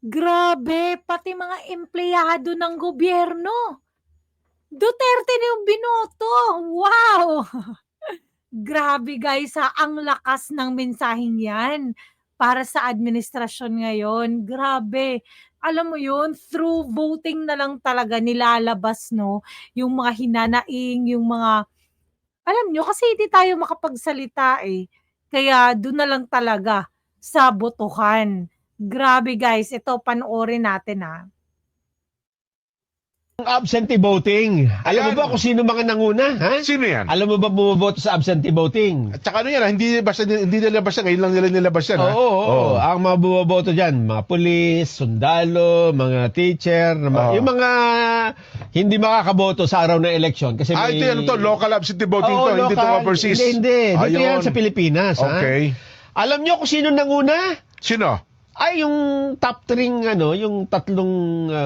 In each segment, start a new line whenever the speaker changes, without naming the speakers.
Grabe, pati mga empleyado ng gobyerno, Duterte na yung binoto. Wow! Grabe guys ha, ang lakas ng mensaheng yan para sa administrasyon ngayon. Grabe. Alam mo yun, through voting na lang talaga nilalabas, no, yung mga hinanaing, yung mga, alam nyo, kasi hindi tayo makapagsalita eh. Kaya doon na lang talaga sa botohan. Grabe guys, ito panoorin natin ha.
Ang absentee voting. Alam mo
Ayan.
ba kung sino mga nanguna? Ha?
Sino yan?
Alam mo ba bumoboto sa absentee voting?
At saka ano yan, hindi nilabas yan. Ngayon lang nila nilabas yan.
Oo, oo. Ang mga bumoboto dyan, mga pulis, sundalo, mga teacher,
Oo.
yung mga hindi makakaboto sa araw ng eleksyon. Kasi
Ito yan to, local absentee voting
Oo,
to, hindi to
local.
overseas.
Hindi. Dito
Ayun.
yan sa Pilipinas.
Okay.
Ha? Alam nyo kung sino nanguna?
Sino?
Ay, yung top 3, yung tatlong,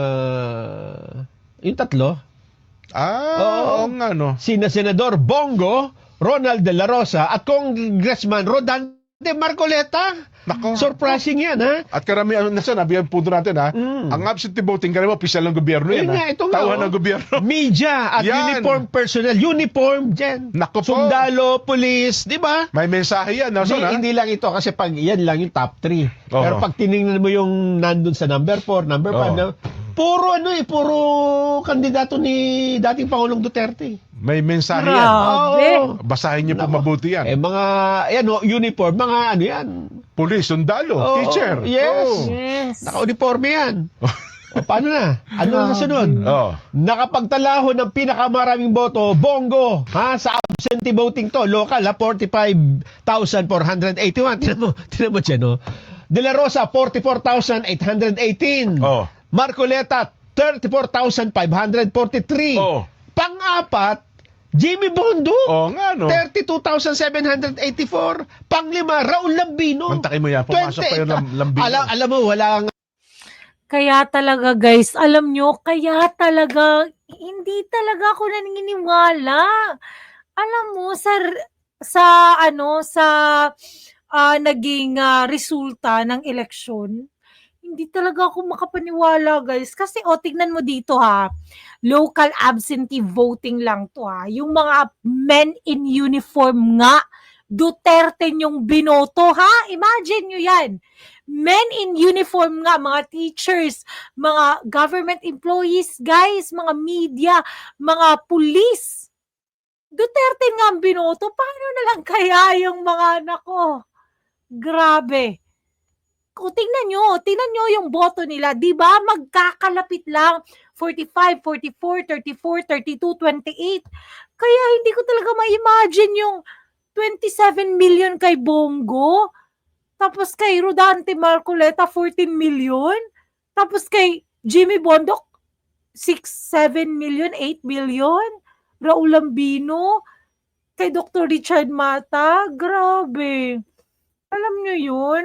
yung tatlo. Oo.
Oo nga no.
Sina Senador Bongo, Ronald De La Rosa at Congressman Rodante Marcoleta.
Nako.
Surprising yan, ha?
At karamihan, nabi ang punto natin ha, ang absentee voting, karamihan, opisyal ng gobyerno yan.
Ayun nga, ito nga,
Tauhan
oh.
ng gobyerno.
Media at
Yan.
uniform personnel. Uniform dyan.
Nako po.
Sundalo, police, di ba?
May mensahe yan, Nelson ha?
Hindi lang ito kasi pag yan lang yung top 3.
Oo.
Pero pag tiningnan mo yung nandun sa number 4, number 5,
Oo.
puro kandidato ni dating Pangulong Duterte.
May mensahe yan.
Grabe.
Oo.
Basahin niyo po
Nako.
mabuti yan.
Mga, uniform, mga yan.
Police, sundalo,
Oo,
teacher.
yes.
Oo.
Yes.
Naka-uniforme yan. O, paano na? Ano na nasunod?
Oo.
Nakapagtalaho ng pinakamaraming boto, Bongo, sa absentee voting to, local, 45,481. Tinan mo dyan, no? De La Rosa, 44,818.
Oo.
Marcoleta, 34,543.
Oo.
Pang-apat, Jimmy Bondo,
Oo nga no.
32,784. Pang-lima, Raul Lambino.
Mantakin mo yan, pumasok pa yung lambino.
Alam mo, wala nga
Kaya talaga guys, alam nyo, kaya talaga, hindi talaga ako naniniwala. Alam mo, naging resulta ng eleksyon, hindi talaga ako makapaniwala guys. Kasi tignan mo dito ha, local absentee voting lang to ha. Yung mga men in uniform nga, Duterte yung binoto ha. Imagine nyo yan. Men in uniform nga, mga teachers, mga government employees, guys, mga media, mga police. Duterte nga ang binoto. Paano na lang kaya yung mga anak ko? Grabe. Kung tingnan nyo yung boto nila, di ba magkakalapit lang 45, 44, 34, 32, 28. Kaya hindi ko talaga ma-imagine yung 27 million kay Bongo. Tapos kay Rodante Marcoleta, 14 million. Tapos kay Jimmy Bondoc, 6, 7 million, 8 million. Raul Lambino, kay Dr. Richard Mata, grabe. Alam nyo yun?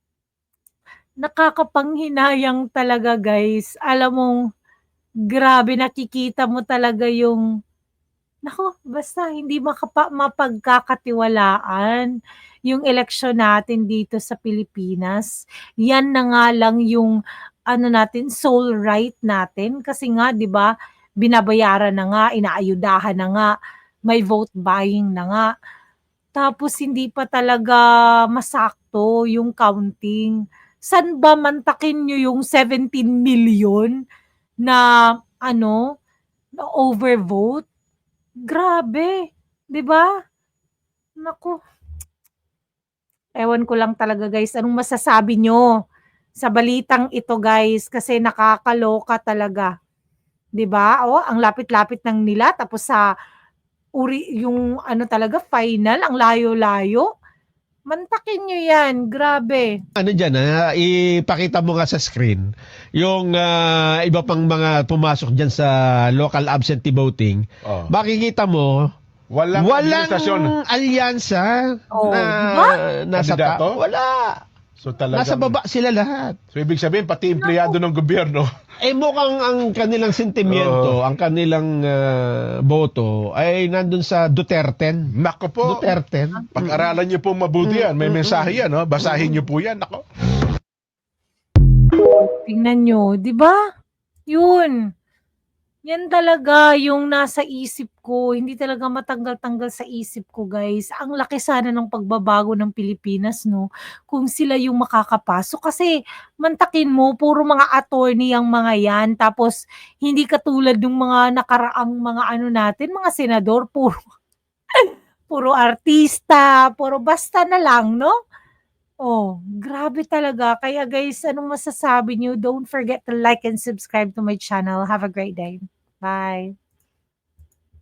Nakakapanghinayang talaga guys. Alam mong, grabe, nakikita mo talaga yung, basta hindi mapagkakatiwalaan yung eleksyon natin dito sa Pilipinas. Yan na nga lang yung soul right natin kasi nga 'di ba binabayaran na nga, inaayudahan na nga, may vote buying na nga. Tapos hindi pa talaga masakto yung counting. San ba mantakin nyo yung 17 million na na overvote? Grabe, 'di ba? Naku. Ewan ko lang talaga guys, anong masasabi nyo sa balitang ito guys? Kasi nakakaloka talaga. 'Di ba? Ang lapit-lapit ng nila tapos sa yung talaga final, ang layo-layo. Mantakin nyo yan, grabe.
dyan, ipakita mo nga sa screen yung iba pang mga pumasok dyan sa local absentee voting.
Oo.
Makikita mo,
Walang administrasyon.
alyansa
Oh,
na
diba?
nasa
Kandidato?
Wala.
So talagang,
Nasa baba sila lahat.
So ibig sabihin, pati empleyado ng gobyerno.
Mukhang ang kanilang sentimiento, ang kanilang boto ay nandun sa Duterte.
Nako po.
Duterte.
Pag-aralan niyo po mabuti yan. May mensahe yan. No? Basahin niyo po yan. Nako.
tingnan niyo, 'di ba? 'Yun. Yan talaga yung nasa isip ko, hindi talaga matanggal-tanggal sa isip ko, guys. Ang laki sana ng pagbabago ng Pilipinas 'no, kung sila yung makakapasok. Kasi mantakin mo puro mga attorney ang mga 'yan, tapos hindi katulad nung mga nakaraang mga ano natin, mga senador puro puro artista, puro basta na lang 'no? Oh, grabe talaga. Kaya guys, anong masasabi niyo? Don't forget to like and subscribe to my channel. Have a great day. Bye.